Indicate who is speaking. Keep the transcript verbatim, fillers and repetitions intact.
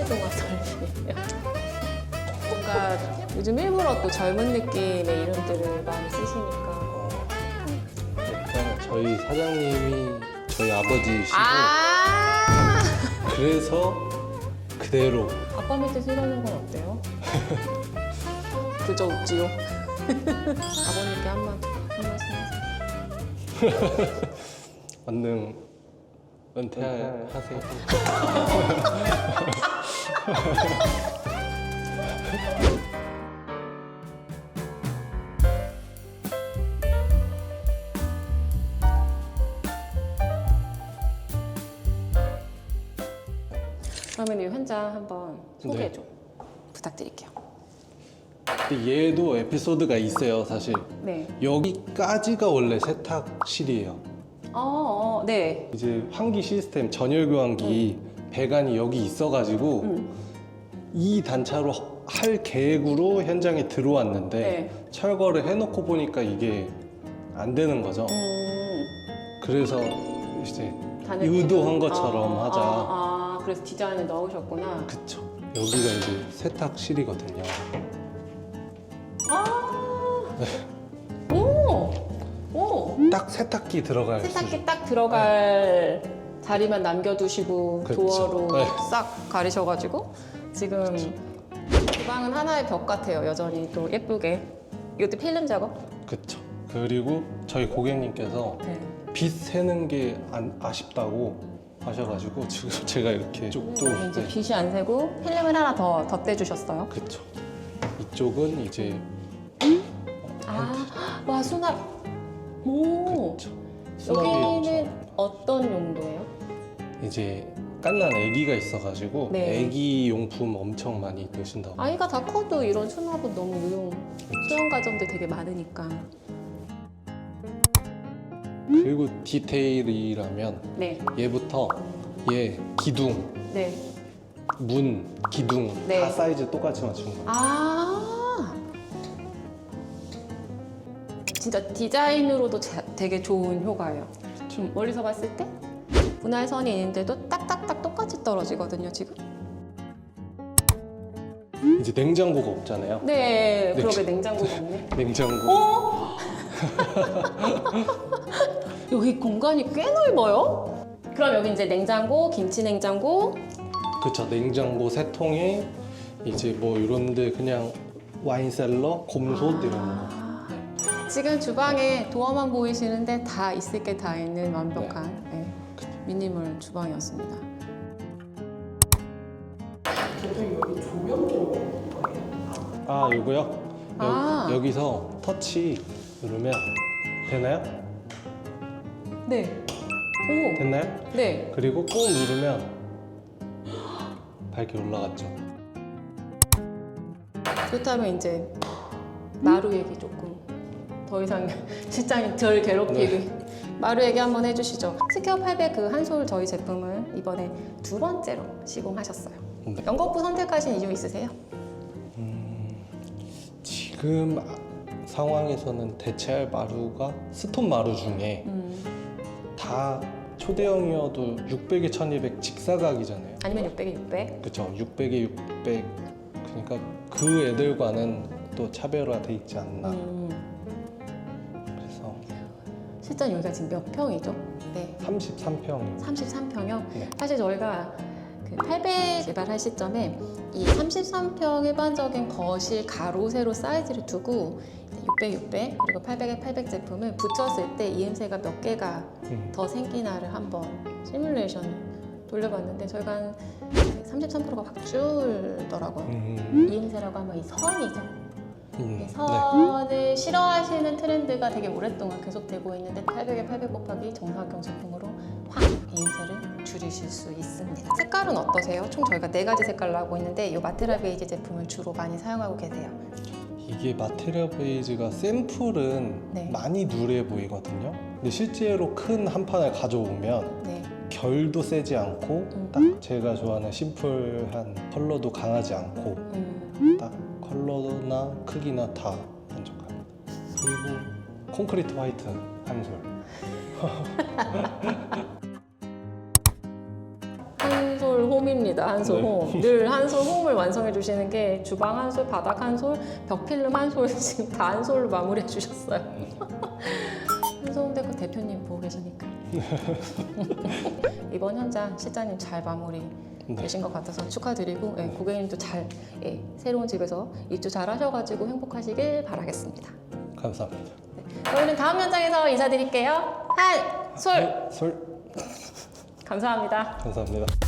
Speaker 1: 동화 설이에요. 뭔가 요즘 일부러 또 젊은 느낌의 이름들을 많이 쓰시니까.
Speaker 2: 어, 일단 저희 사장님이 저희 아버지시고
Speaker 1: 아!
Speaker 2: 그래서 그대로
Speaker 1: 아빠 밑에서 이러는 건 어때요? 그저 웃지요. 아버님께 한, 말, 한 말씀 하세요.
Speaker 2: 만능 은퇴하세요.
Speaker 1: 그러면 이 현장 한번 소개 좀 부탁드릴게요.
Speaker 2: 근데 얘도 에피소드가 있어요, 사실.
Speaker 1: 네.
Speaker 2: 여기까지가 원래 세탁실이에요.
Speaker 1: 어, 어 네.
Speaker 2: 이제 환기 시스템 전열 교환기 배관이 여기 있어가지고
Speaker 1: 음.
Speaker 2: 이 단차로 할 계획으로 현장에 들어왔는데
Speaker 1: 네.
Speaker 2: 철거를 해놓고 보니까 이게 안 되는 거죠.
Speaker 1: 음,
Speaker 2: 그래서 이제
Speaker 1: 단을
Speaker 2: 의도한
Speaker 1: 끼고.
Speaker 2: 것처럼
Speaker 1: 아,
Speaker 2: 하자.
Speaker 1: 아, 아, 그래서 디자인을 넣으셨구나.
Speaker 2: 그쵸. 여기가 이제 세탁실이거든요.
Speaker 1: 아, 오, 오.
Speaker 2: 딱 세탁기 들어갈 수
Speaker 1: 세탁기 딱 들어갈 자리만 남겨두시고
Speaker 2: 그쵸.
Speaker 1: 도어로
Speaker 2: 네.
Speaker 1: 싹 가리셔가지고 지금 주방은 하나의 벽 같아요. 여전히 또 예쁘게. 이것도 필름 작업?
Speaker 2: 그쵸. 그리고 저희 고객님께서
Speaker 1: 네.
Speaker 2: 빛 새는 게 안, 아쉽다고 하셔가지고 지금 제가 이렇게 쪽도
Speaker 1: 이제
Speaker 2: 네.
Speaker 1: 빛이 안 새고 필름을 하나 더 덧대주셨어요.
Speaker 2: 그쵸. 이쪽은 이제
Speaker 1: 아, 와 수납. 오,
Speaker 2: 그쵸. 수납이
Speaker 1: 여기는
Speaker 2: 엄청
Speaker 1: 어떤 용도예요?
Speaker 2: 이제 깐난 아기가 있어가지고
Speaker 1: 네.
Speaker 2: 아기 용품 엄청 많이 드신다고.
Speaker 1: 아이가 다 커도 이런 수납은 너무 유용. 소형 가정들 되게 많으니까.
Speaker 2: 그리고 디테일이라면
Speaker 1: 네,
Speaker 2: 얘부터 얘 기둥,
Speaker 1: 네.
Speaker 2: 문, 기둥
Speaker 1: 네.
Speaker 2: 다 사이즈 똑같이 맞춘 거예요.
Speaker 1: 아, 진짜 디자인으로도 자- 되게 좋은 효과예요. 좀 멀리서 봤을 때 분할선이 있는데도 딱딱딱 똑같이 떨어지거든요, 지금.
Speaker 2: 이제 냉장고가 없잖아요.
Speaker 1: 네,
Speaker 2: 네.
Speaker 1: 그러게 냉장고가 없네.
Speaker 2: 냉장고.
Speaker 1: 어? 여기 공간이 꽤 넓어요? 그럼 여기 이제 냉장고, 김치 냉장고.
Speaker 2: 그쵸. 냉장고 세 통에 이제 뭐 이런데 그냥 와인셀러, 곰솥 이런 거.
Speaker 1: 아, 지금 주방에 도어만 보이시는데 다 있을 게 다 있는 완벽한 네, 미니멀 주방이었습니다.
Speaker 2: 아, 요거요? 여,
Speaker 1: 아.
Speaker 2: 여기서 터치 누르면 되나요?
Speaker 1: 네. 오,
Speaker 2: 됐나요?
Speaker 1: 네.
Speaker 2: 그리고 꾹 누르면 밝게 올라갔죠.
Speaker 1: 그렇다면 이제 마루 얘기 조금 더 이상 실장님 덜 괴롭히게 마루 얘기 한번 해주시죠. 스퀘어 팔백 그 한솔 저희 제품을 이번에 두 번째로 시공하셨어요.
Speaker 2: 네.
Speaker 1: 연거푸 선택하신 이유 있으세요?
Speaker 2: 지금 상황에서는 대체할 마루가 스톤 마루 중에
Speaker 1: 음,
Speaker 2: 다 초대형이어도 육백에 천이백 직사각이잖아요.
Speaker 1: 아니면 육백에 육백?
Speaker 2: 그쵸. 육백에 육백. 그러니까 그 애들과는 또 차별화돼 있지 않나.
Speaker 1: 음,
Speaker 2: 그래서
Speaker 1: 실장 여기가 지금 몇 평이죠? 네.
Speaker 2: 삼십삼 평.
Speaker 1: 삼십삼 평이요?
Speaker 2: 네.
Speaker 1: 사실 저희가 그 팔백 개발할 시점에 이 삼십삼 평 일반적인 거실 가로 세로 사이즈를 두고 육백, 육백 그리고 팔백에 팔백 제품을 붙였을 때 이엠새가 몇 개가
Speaker 2: 음.
Speaker 1: 더 생기나를 한번 시뮬레이션을 돌려봤는데 저희가 한 삼십삼 퍼센트가 확 줄더라고요.
Speaker 2: 음.
Speaker 1: 이엠새라고 하면 이 선이죠.
Speaker 2: 음.
Speaker 1: 이 선을 싫어하시는 트렌드가 되게 오랫동안 계속되고 있는데 팔백에 팔백 곱하기 정사각형 제품으로 확 이음새를 줄이실 수 있습니다. 색깔은 어떠세요? 총 저희가 네 가지 색깔로 하고 있는데 이 마테라 베이지 제품을 주로 많이 사용하고 계세요.
Speaker 2: 이게 마테리얼 베이지가 샘플은
Speaker 1: 네.
Speaker 2: 많이 누래 보이거든요. 근데 실제로 큰 한 판을 가져오면
Speaker 1: 네.
Speaker 2: 결도 세지 않고
Speaker 1: 음.
Speaker 2: 딱 제가 좋아하는 심플한 컬러도 강하지 않고
Speaker 1: 음.
Speaker 2: 딱 컬러나 크기나 다 만족합니다. 그리고 콘크리트 화이트 한솔.
Speaker 1: 한솔 홈 홈입니다. 한솔 홈. 늘 한솔 홈을 완성해 주시는 게 주방 한솔, 바닥 한솔, 벽필름 한솔 지금 다 한솔로 마무리해 주셨어요. 한솔 홈데코 대표님 보고 계시니까 이번 현장 실장님 잘 마무리
Speaker 2: 네.
Speaker 1: 되신 것 같아서 축하드리고 예, 고객님도 잘 예, 새로운 집에서 입주 잘 하셔가지고 행복하시길 바라겠습니다.
Speaker 2: 감사합니다.
Speaker 1: 저희는 다음 현장에서 인사드릴게요. 한솔
Speaker 2: 솔
Speaker 1: 감사합니다.
Speaker 2: 감사합니다.